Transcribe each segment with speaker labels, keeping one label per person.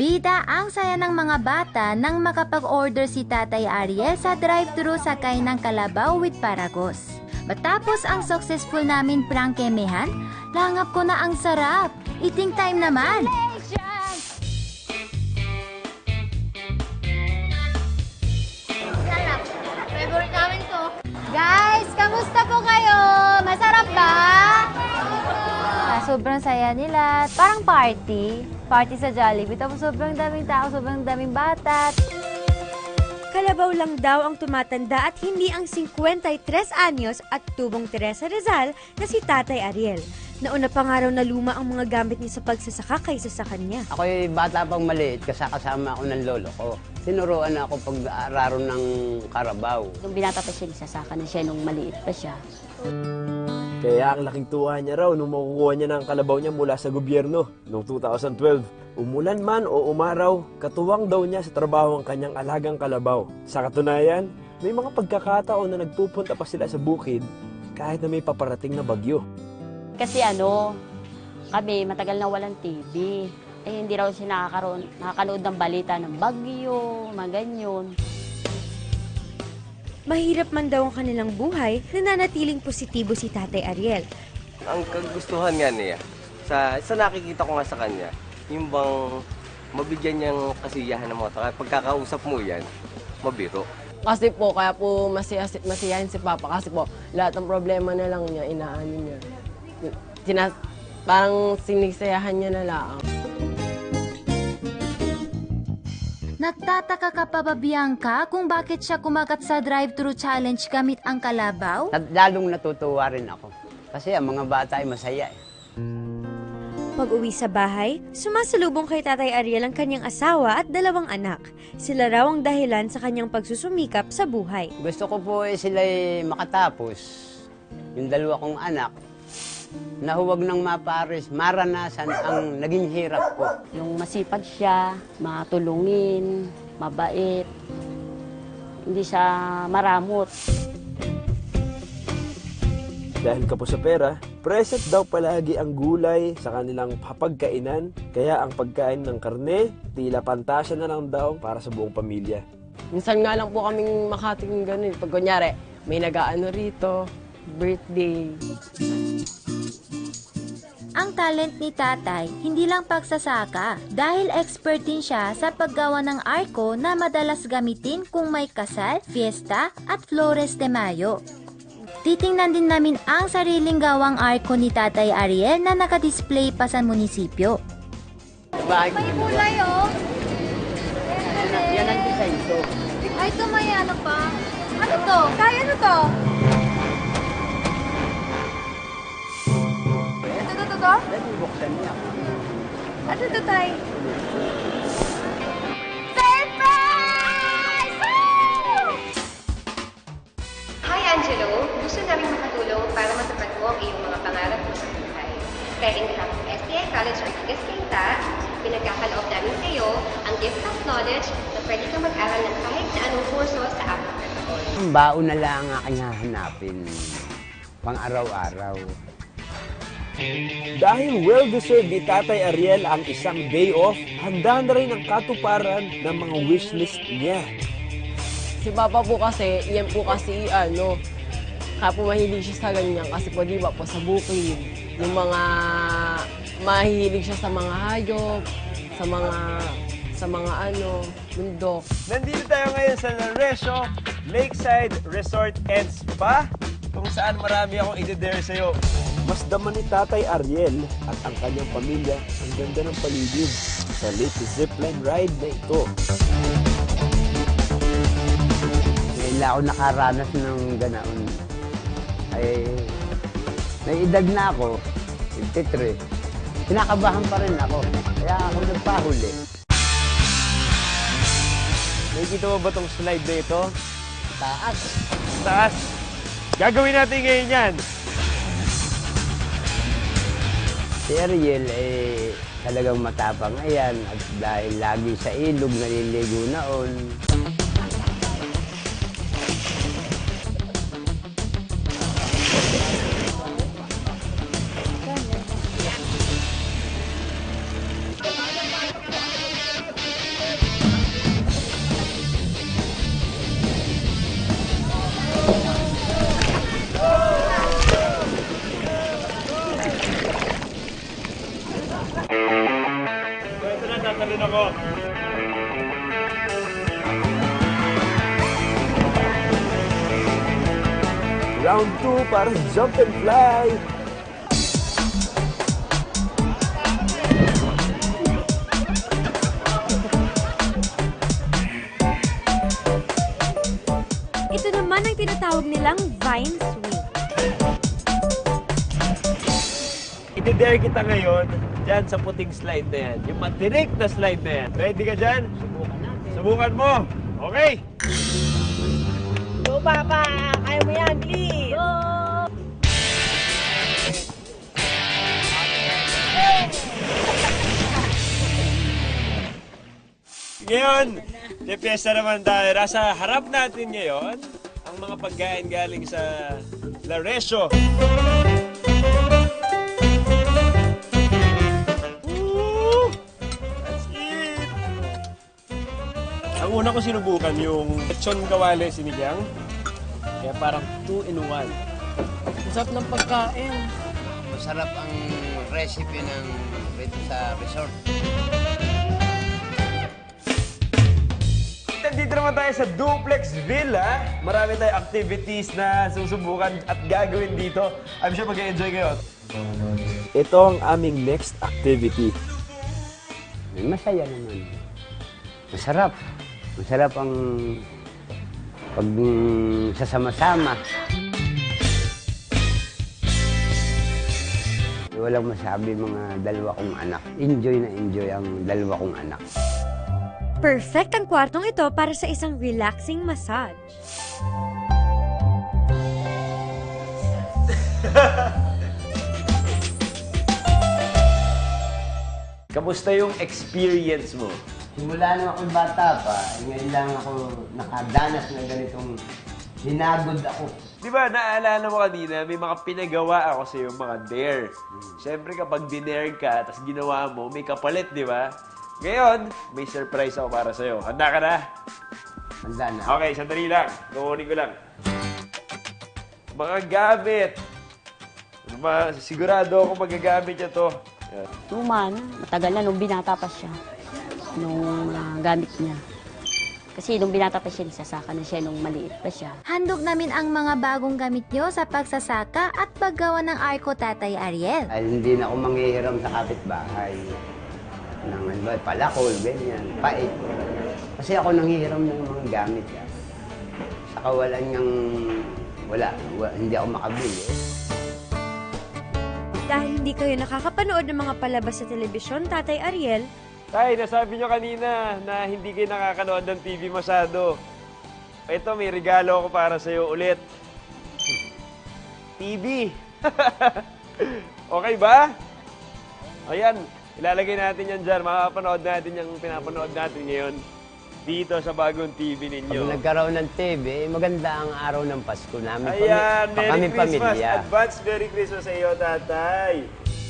Speaker 1: Bida ang saya ng mga bata nang makapag-order si Tatay Ariel sa drive-thru sakay ng kalabaw with Paragos. Matapos ang successful namin prangkemehan, langap ko na ang sarap. Eating time naman!
Speaker 2: Sarap. Favorite namin to. Guys, kamusta po kayo? Masarap ba?
Speaker 3: Sobrang saya nila. Parang party. Party sa Jollibee. Tapos sobrang daming tao, sobrang daming bata.
Speaker 4: Kalabaw lang daw ang tumatanda at hindi ang 53 anyos at tubong Teresa Rizal na si Tatay Ariel. Nauna pa nga raw na luma ang mga gamit niya sa pagsasaka kaysa sa kanya.
Speaker 5: Ako'y bata pang maliit, kasama ako ng lolo ko. Tinuruan ako pag-aararo ng karabaw.
Speaker 6: Nung binata pa siya, nagsasaka na siya nung maliit pa siya.
Speaker 7: Kaya ang laking tuwa niya raw nung makukuha niya ng kalabaw niya mula sa gobyerno noong 2012. Umulan man o umaraw, katuwang daw niya sa trabaho ang kanyang alagang kalabaw. Sa katunayan, may mga pagkakataon na nagpupunta pa sila sa bukid kahit na may paparating na bagyo.
Speaker 6: Kasi kami matagal na walang TV. Hindi raw siya nakakanood ng balita ng bagyo, mga ganyan.
Speaker 4: Mahirap man daw ang kanilang buhay, nananatiling positibo si Tatay Ariel.
Speaker 8: Ang kagustuhan nga niya, sa nakikita ko nga sa kanya, yung bang mabigyan niyang kasiyahan ng mga tao. Pagkakausap mo yan, mabiro.
Speaker 9: Kasi po, kaya po masiyahin si Papa. Kasi po, lahat ng problema na lang niya, inaanin niya. Parang sinisayahan niya na lang.
Speaker 1: Nagtataka ka pa ba, Bianca, kung bakit siya kumagat sa drive-thru challenge gamit ang kalabaw?
Speaker 5: Lalong natutuwa rin ako. Kasi ang mga bata ay masaya eh.
Speaker 4: Pag-uwi sa bahay, sumasalubong kay Tatay Ariel ang kanyang asawa at 2 anak. Sila raw ang dahilan sa kanyang pagsusumikap sa buhay.
Speaker 5: Gusto ko po sila'y makatapos. Yung 2 kong anak, na huwag nang maparis, maranasan ang naging hirap ko.
Speaker 6: Yung masipag siya, matulungin, mabait, hindi siya maramot.
Speaker 7: Dahil kapo sa pera, present daw palagi ang gulay sa kanilang hapagkainan, kaya ang pagkain ng karne, tila pantasya na lang daw para sa buong pamilya.
Speaker 9: Minsan nga lang po kaming makating ganun. Pag kunyari, may nag-aano rito, birthday.
Speaker 1: Ang talent ni Tatay, hindi lang pagsasaka, dahil expert din siya sa paggawa ng arko na madalas gamitin kung may kasal, fiesta, at Flores de Mayo. Titingnan din namin ang sariling gawang arko ni Tatay Ariel na nakadisplay pa sa munisipyo.
Speaker 2: May kulay, oh.
Speaker 5: Yan ang design ko.
Speaker 2: Ay, ito may ano pa. Ano to? Kaya ano to? Ito?
Speaker 5: Dahil buksan niya.
Speaker 2: Ano to, Tay? Surprise! Woo!
Speaker 10: Hi, Angelo. Gusto namin makatulong para matupad mo ang iyong mga pangarap mo sa buhay. Kaya in behalf of STI College Ortigas Quinta, pinagkakaloob namin sa iyo ang gift of knowledge na pwede kang mag-aral ng kahit na anong kurso sa apat na taon.
Speaker 5: Ang baon na lang ang aking hahanapin. Pang araw-araw.
Speaker 7: Dahil well-deserved ni Tatay Ariel ang isang day off, handa na rin ang katuparan ng mga wishlist niya.
Speaker 9: Si Papa po kasi, yan po kasi kaya po mahilig siya sa ganyan. Kasi po di ba po sa bukid, yung mga mahilig siya sa mga hayop, sa mga bundok.
Speaker 11: Nandito tayo ngayon sa Laresio Lakeside Resort and Spa, kung saan marami akong i-dare sa'yo.
Speaker 7: Mas daman ni Tatay Ariel at ang kanyang pamilya ang ganda ng paligid sa latest zipline ride na ito.
Speaker 5: Kailan ako nakaranas ng ganaon. Ay, may edad na ako, 53. Kinakabahan pa rin ako, kaya ako nagpahuli.
Speaker 11: Nakikita mo ba itong slide na ito?
Speaker 5: Taas.
Speaker 11: Taas. Gagawin natin ngayon yan.
Speaker 5: Si Ariel talagang matapang ayan at dahil lagi sa ilog naliligo naon.
Speaker 11: rin ako.
Speaker 7: Round 2 para jump and fly.
Speaker 4: Ito naman ang tinatawag nilang vine swing.
Speaker 11: Iti-dare kita ngayon dyan sa puting slide na yan. Yung matirik na slide na yan. Ready ka dyan? Subukan natin. Subukan mo. Okay.
Speaker 9: Go, Papa! Kaya mo yan, please! Go!
Speaker 11: Ngayon, may piyesta naman tayo. Nasa harap natin ngayon ang mga pagkain galing sa Laresio. Woo! That's it! Ang una ko sinubukan yung lechon kawali sinigang. Kaya parang 2-in-1.
Speaker 9: Masarap ng pagkain.
Speaker 5: Masarap ang recipe ng rito sa resort.
Speaker 11: Dito naman tayo sa Duplex Villa. Marami tayong activities na susubukan at gagawin dito. I'm sure mag-enjoy kayo.
Speaker 7: Ito ang aming next activity.
Speaker 5: Masaya naman. Masarap. Masarap ang pag sasama-sama. Walang masabi mga dalawa kong anak. Enjoy na enjoy ang dalawa kong anak.
Speaker 4: Perfect ang kwartong ito para sa isang relaxing massage.
Speaker 11: Kamusta yung experience mo?
Speaker 5: Simula nung ako'y bata pa, ngayon lang ako nakadanas ng ganitong hinagod ako.
Speaker 11: Di ba, naalala mo kanina, may mga pinagawa ako sa iyo, mga dare. Siyempre kapag dinare ka, tapos ginawa mo, may kapalit, di ba? Ngayon, may surprise ako para sa'yo. Handa ka na?
Speaker 5: Handa na.
Speaker 11: Okay, sandali lang. Kukunin ko lang. Mga gamit. Sigurado ako magagamit niya to. Yan.
Speaker 6: Tuman, matagal na nung binata pa siya. Nung gamit niya. Kasi nung binata pa siya, nagsasaka na siya nung maliit pa siya.
Speaker 1: Handog namin ang mga bagong gamit nyo sa pagsasaka at paggawa ng arko, Tatay Ariel.
Speaker 5: Ay, hindi na ako manghihiram sa kapitbahay. Ng ano ba, palakol, ganyan, pait. Kasi ako nanghihiram ng mga gamit. Sa kawalan niyang wala, hindi ako makabili.
Speaker 4: Dahil hindi kayo nakakapanood ng mga palabas sa telebisyon, Tatay Ariel,
Speaker 11: Tay, nasabi nyo kanina na hindi kayo nakakanood ng TV masyado. Ito, may regalo ako para sa'yo ulit. TV. Okay ba? Ayan, ilalagay natin yan dyan. Makapanood natin yung pinapanood natin ngayon dito sa bagong TV ninyo.
Speaker 5: Pag nagkaroon ng TV, maganda ang araw ng Pasko namin.
Speaker 11: Ayan, Merry
Speaker 5: kami
Speaker 11: Christmas.
Speaker 5: pamilya.
Speaker 11: Advance Merry Christmas sa iyo, Tatay.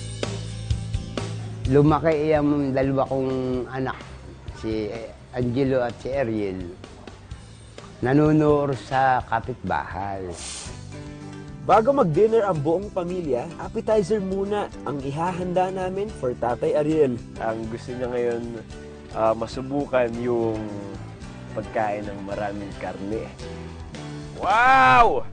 Speaker 5: Lumaki yung dalawa kong anak, si Angelo at si Ariel. Nanunor sa kapitbahay.
Speaker 7: Bago mag-dinner ang buong pamilya, appetizer muna ang ihahanda namin for Tatay Ariel.
Speaker 11: Ang gusto niya ngayon, masubukan yung pagkain ng maraming karne. Wow!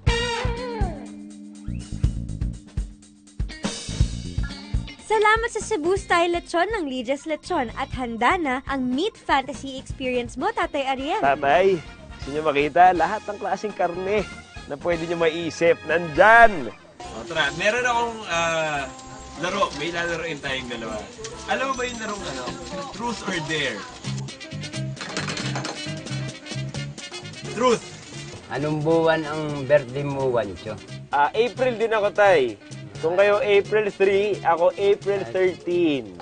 Speaker 4: salamat sa Cebu Style Lechon ng Lidia's Lechon at handa na ang Meat Fantasy Experience mo, Tatay Ariel.
Speaker 11: Tatay, gusto niyo makita lahat ng klaseng karne na pwede niyo maisip. Nandyan! O, tara, meron akong laro. May lalaroin tayong dalawa. Alam mo ba yung larong ano? Truth or Dare? Truth!
Speaker 5: Anong buwan ang birthday mo, Wancho?
Speaker 11: April din ako, Tay. Kung kayo April 3, ako April 13.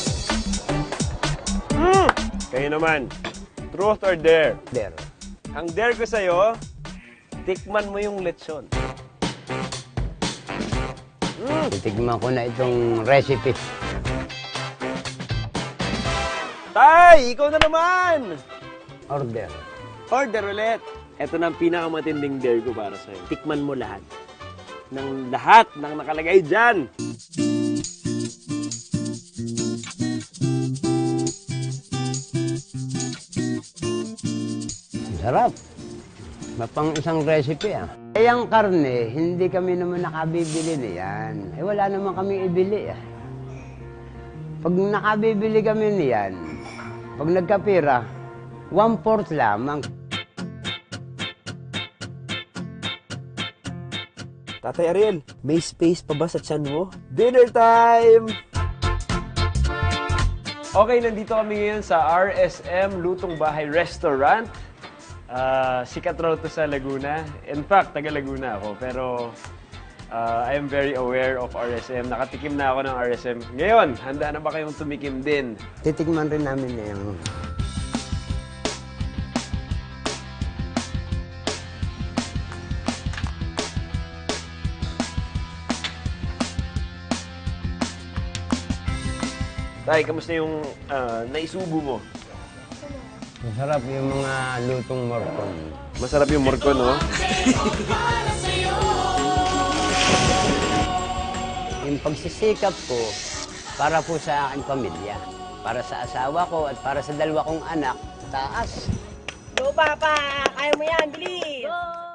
Speaker 11: Kayo naman, truth or dare?
Speaker 5: Dare.
Speaker 11: Ang dare ko sa'yo, tikman mo yung lechon.
Speaker 5: Titigman ko na itong recipe.
Speaker 11: Tay, ikaw na naman!
Speaker 5: Order.
Speaker 11: Order ulit. Ito na ang pinakamatinding dare ko para sa'yo. Tikman mo lahat. Ng lahat ng nakalagay dyan.
Speaker 5: Masarap. Mapang isang recipe ah. Eh, ang karne, hindi kami naman nakabibili niyan. Eh, wala naman kami ibili ah. Pag nakabibili kami niyan, pag nagkapira, 1/4 lamang.
Speaker 7: Tatay Ariel, may space pa ba sa tiyan mo? Dinner time! Okay, nandito kami ngayon sa RSM Lutong Bahay Restaurant. Sikat raw to sa Laguna. In fact, taga Laguna ako. Pero I am very aware of RSM. Nakatikim na ako ng RSM. Ngayon, handa na ba kayong tumikim din?
Speaker 5: Titikman rin namin na yung...
Speaker 7: Tay, kamusta yung naisubo mo?
Speaker 5: Masarap yung mga lutong morcon.
Speaker 7: Masarap yung morcon, no?
Speaker 5: Yung pagsisikap ko, para po sa aking pamilya. Para sa asawa ko at para sa 2 kong anak, taas.
Speaker 9: Go, Papa! Kaya mo yan, bilis!